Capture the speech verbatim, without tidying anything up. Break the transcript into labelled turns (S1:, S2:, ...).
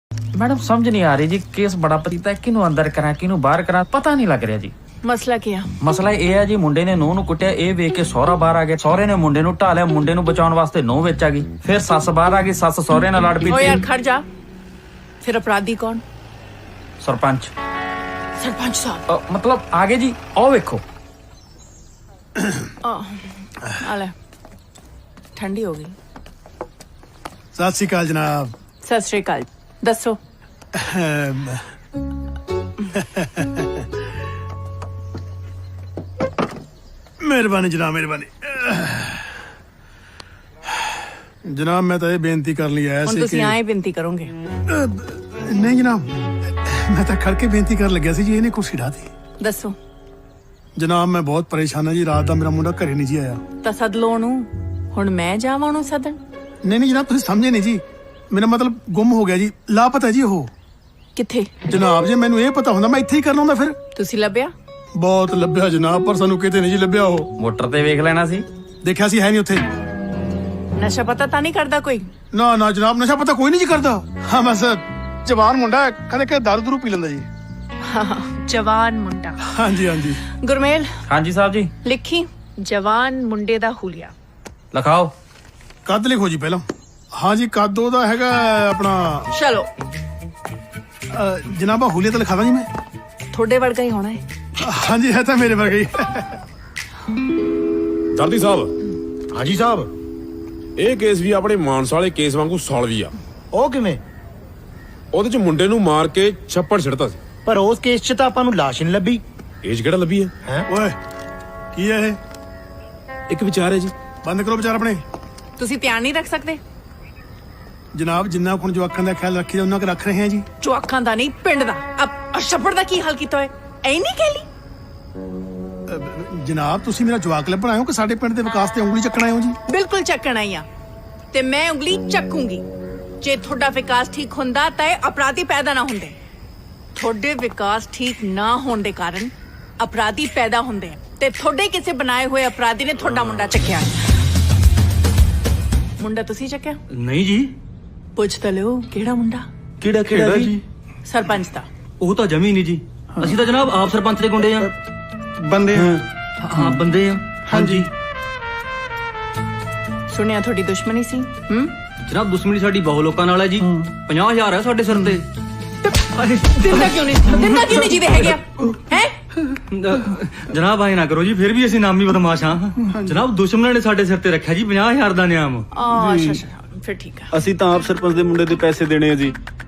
S1: Madam समझ नहीं आ रही जी, केस बड़ा पतीता है, किनू अंदर करा किनू बाहर करा पता नहीं लग रहा जी।
S2: ਮਸਲਾ ਕੀ ਆ?
S1: ਮਸਲਾ ਇਹ ਹੈ ਜੀ, ਮੁੰਡੇ ਨੇ ਨੂੰਹ ਨੂੰ ਕੁੱਟਿਆ, ਇਹ ਵੇਖ ਕੇ ਸਹੁਰਾ ਬਾਹਰ ਆ ਗਿਆ, ਸਹੁਰੇ ਨੇ ਮੁੰਡੇ ਨੂੰ ਢਾ ਲਿਆ, ਮੁੰਡੇ ਨੂੰ ਬਚਾਉਣ ਵਾਸਤੇ ਨੂੰਹ ਵਿੱਚ ਆ ਗਈ, ਫਿਰ ਸੱਸ ਬਾਹਰ ਆ ਗਈ, ਸੱਸ ਸਹੁਰੇ ਨਾਲ ਲੜ ਪਈ।
S2: ਓ ਯਾਰ ਖੜ ਜਾ, ਫਿਰ ਅਪਰਾਧੀ ਕੌਣ?
S1: ਸਰਪੰਚ।
S2: ਸਰਪੰਚ ਸਾਹਿਬ
S1: ਅ, ਮਤਲਬ ਆ ਗਏ ਜੀ, ਆਓ ਵੇਖੋ।
S2: ਆ ਲੈ, ਠੰਡੀ ਹੋ ਗਈ।
S3: ਸਤਿ ਸ਼੍ਰੀ ਅਕਾਲ ਜਨਾਬ।
S2: ਸਤਿ ਸ਼੍ਰੀ ਅਕਾਲ। ਦੱਸੋ।
S3: ਮਿਹਰਬਾਨੀ ਜਨਾਬ, ਮਿਹਰਬਾਨੀ ਜਨਾਬ। ਮੈਂ ਤਾਂ ਇਹ ਬੇਨਤੀ ਕਰਨ ਲਈ ਆਇਆ
S2: ਹੁਣ
S3: ਸੀ
S2: ਤੁਸੀਂ
S3: ਕਿ
S2: ਆਏ ਬੇਨਤੀ ਕਰੋਗੇ?
S3: ਨਹੀਂ ਜਨਾਬ, ਮੈਂ ਤਾਂ ਖੜ ਕੇ ਬੇਨਤੀ ਕਰਨ ਲੱਗਿਆ ਸੀ ਜੀ, ਇਹਨੇ ਕੁਰਸੀ ਢਾਤੀ।
S2: ਦੱਸੋ।
S3: ਜਨਾਬ ਮੈਂ ਬਹੁਤ ਪਰੇਸ਼ਾਨ ਹਾਂ ਜੀ, ਰਾਤ ਦਾ ਮੇਰਾ ਮੁੰਡਾ ਘਰੇ ਨਹੀਂ ਜੀ ਆਇਆ।
S2: ਤਾਂ ਸੱਦ ਲਓ ਉਹਨੂੰ। ਹੁਣ ਮੈਂ ਜਾਵਾਂ ਉਹਨੂੰ ਸੱਦਣ?
S3: ਨਹੀਂ ਨਹੀਂ ਜਨਾਬ, ਤੁਸੀਂ ਸਮਝੇ ਨਹੀਂ ਜੀ, ਮੇਰਾ ਮਤਲਬ ਗੁੰਮ ਹੋ ਗਿਆ ਜੀ, ਲਾਪਤਾ ਜੀ ਉਹ।
S2: ਕਿੱਥੇ?
S3: ਜਨਾਬ ਜੇ ਮੈਨੂੰ ਇਹ ਪਤਾ ਹੁੰਦਾ ਮੈਂ ਇੱਥੇ ਹੀ ਕਰਨਾ ਹੁੰਦਾ। ਫਿਰ
S2: ਤੁਸੀਂ ਲੱਭਿਆ?
S3: ਬਹੁਤ ਲੱਭਿਆ ਜਨਾਬ, ਪਰ ਸਾਨੂੰ ਕਿਤੇ ਨਹੀਂ ਜੀ ਲੱਭਿਆ। ਉਹ
S1: ਮੋਟਰ ਤੇ ਵੇਖ ਲੈਣਾ ਸੀ,
S3: ਦੇਖਿਆ ਸੀ, ਹੈ ਨਹੀਂ ਉੱਥੇ।
S2: ਨਸ਼ਾ ਪਤਾ ਤਾਂ ਨਹੀਂ ਕਰਦਾ ਕੋਈ?
S3: ਨਾ ਨਾ ਜਨਾਬ, ਨਸ਼ਾ ਪਤਾ ਕੋਈ ਨਹੀਂ ਜੀ ਕਰਦਾ। ਹਾਂ ਬਸ ਜਵਾਨ ਮੁੰਡਾ ਹੈ, ਕਦੇ ਕਦੇ ਦਾਰੂ ਦੂਰੂ ਪੀ ਲੈਂਦਾ ਜੀ।
S4: ਜਵਾਨ ਮੁੰਡਾ।
S3: ਹਾਂਜੀ ਹਾਂਜੀ।
S2: ਗੁਰਮੇਲ
S1: ਹਾਂਜੀ ਸਾਹਿਬ ਜੀ।
S2: ਲਿਖੀ।
S4: ਜਵਾਨ ਮੁੰਡੇ ਦਾ ਹੁਲੀਆ।
S1: ਲਿਖਾਓ।
S3: ਕੱਦ ਲਿਖੋ ਜੀ ਪਹਿਲਾਂ। ਹਾਂਜੀ ਕੱਦ ਉਹਦਾ ਹੈਗਾ ਆਪਣਾ
S2: ਚਲੋ।
S3: ਅ, ਜਨਾਬਾ ਹੁਲੀਆ ਤਾਂ ਲਿਖਾ ਦਾਂ ਜੀ ਮੈਂ।
S2: ਤੁਹਾਡੇ ਵਰਗਾ ਹੀ ਹੋਣਾ ਹੈ।
S3: ਹਾਂਜੀ ਹੈ ਤਾਂ ਮੇਰੇ ਵਰਗਾ ਹੀ।
S5: ਦਰਦੀ ਸਾਹਿਬ।
S6: ਹਾਂਜੀ ਸਾਹਿਬ।
S5: ਇਹ ਕੇਸ ਵੀ ਆਪਣੇ ਮਾਨਸਾ ਵਾਲੇ ਕੇਸ ਵਾਂਗੂ ਸੌਲਵੀ ਆ।
S6: ਉਹ ਕਿਵੇਂ?
S5: ਉਹਦੇ ਚ ਮੁੰਡੇ ਨੂੰ ਮਾਰ ਕੇ ਛੱਪੜ ਛਿੜਤਾ ਸੀ,
S6: ਪਰ ਉਸ ਕੇਸ 'ਚ ਤਾਂ ਆਪਾਂ ਨੂੰ ਲਾਸ਼ ਨਹੀਂ ਲੱਭੀ।
S5: ਏਜ ਕਿਹੜਾ ਲੱਭੀ ਹੈ?
S6: ਹੈ
S3: ਓਏ ਕੀ ਹੈ ਇਹ?
S5: ਇੱਕ ਵਿਚਾਰ ਹੈ ਜੀ।
S3: ਬੰਦ ਕਰੋ ਵਿਚਾਰ ਆਪਣੇ।
S2: ਤੁਸੀਂ ਧਿਆਨ ਨਹੀਂ ਰੱਖ ਸਕਦੇ?
S3: ਜਨਾਬ ਜਿੰਨਾ ਹੁਣ ਜਵਾਕਾਂ ਦਾ ਖਿਆਲ ਰੱਖੀ ਦਾ ਉਹਨਾਂ ਕੁ ਰੱਖ ਰਹੇ ਹਾਂ ਜੀ।
S2: ਜਵਾਕਾਂ ਦਾ ਨਹੀਂ, ਪਿੰਡ ਦਾ। ਅਬ ਛੱਪੜ ਦਾ ਕੀ ਹਾਲ ਕੀਤਾ ਹੋਇਆ? ਐ ਨਹੀਂ ਕਹਿਲੀ।
S3: ਅ, ਜਨਾਬ ਤੁਸੀਂ ਮੇਰਾ ਜਵਾਕ ਲੱਭਣ ਆਏ ਹੋ ਕਿ ਸਾਡੇ ਪਿੰਡ ਦੇ ਵਿਕਾਸ ਤੇ ਉਂਗਲੀ ਚੱਕਣ ਆਏ ਹੋ ਜੀ?
S2: ਬਿਲਕੁਲ ਚੱਕਣ ਆਈ ਆ, ਤੇ ਮੈਂ ਉਂਗਲੀ ਚੱਕੂੰਗੀ। ਜੇ ਤੁਹਾਡਾ ਵਿਕਾਸ ਠੀਕ ਹੁੰਦਾ ਤਾਂ ਇਹ ਅਪਰਾਧੀ ਪੈਦਾ ਨਾ ਹੁੰਦੇ। ਤੁਹਾਡੇ ਵਿਕਾਸ ਠੀਕ ਨਾ ਹੋਣ ਦੇ ਕਾਰਨ ਅਪਰਾਧੀ ਪੈਦਾ ਹੁੰਦੇ ਆ, ਤੇ ਤੁਹਾਡੇ ਕਿਸੇ ਬਣਾਏ ਹੋਏ ਅਪਰਾਧੀ ਨੇ ਤੁਹਾਡਾ ਮੁੰਡਾ ਚੱਕਿਆ। ਮੁੰਡਾ ਤੁਸੀਂ ਚੱਕਿਆ?
S7: ਨਹੀਂ ਜੀ।
S2: ਪੁੱਛ ਤਾਂ ਲਿਓ ਕਿਹੜਾ ਮੁੰਡਾ?
S7: ਕਿਹੜਾ ਕਿਹੜਾ ਜੀ?
S2: ਸਰਪੰਚ ਦਾ।
S7: ਉਹ ਤਾਂ ਜਮੀ ਨਹੀਂ ਜੀ, ਅਸੀਂ ਤਾਂ ਜਨਾਬ ਆਪ ਸਰਪੰਚ ਦੇ ਗੁੰਡੇ ਆ।
S3: ਬੰਦੇ
S7: ਹਾਂ ਬੰਦੇ ਆ। ਹਾਂਜੀ
S2: ਸੁਣਿਆ ਤੁਹਾਡੀ ਦੁਸ਼ਮਣੀ ਸੀ। ਹੂੰ
S7: ਜਨਾਬ ਦੁਸ਼ਮਣੀ ਸਾਡੀ ਬਹੁਤ ਲੋਕਾਂ ਨਾਲ ਹੈ ਜੀ। ਪੰਜਾਹ ਹਜ਼ਾਰ ਹੈ ਸਾਡੇ ਸਿਰ ਤੇ।
S2: ਦਿੰਦਾ ਕਿਉਂ ਨਹੀਂ? ਦਿੰਦਾ ਕਿਉਂ ਨਹੀਂ ਜਿਹਦੇ ਹੈਗੇ ਹੈ?
S7: ਜਨਾਬ ਆਏ ਨਾ ਕਰੋ ਜੀ, ਫਿਰ ਵੀ ਅਸੀਂ ਨਾਮੀ ਬਦਮਾਸ਼ ਹਾਂ। ਜਨਾਬ ਦੁਸ਼ਮਣਾਂ ਨੇ ਸਾਡੇ ਸਿਰ ਤੇ ਰੱਖਿਆ ਜੀ ਪੰਜਾਹ ਹਜ਼ਾਰ ਦਾ ਨਿਆਮ।
S2: ਆ ਅੱਛਾ ਅੱਛਾ, ਫਿਰ ਠੀਕ ਆ।
S8: ਅਸੀਂ ਤਾਂ ਆਪ ਸਰਪੰਚ ਦੇ ਮੁੰਡੇ ਦੇ ਪੈਸੇ ਦੇਣੇ ਆ ਜੀ,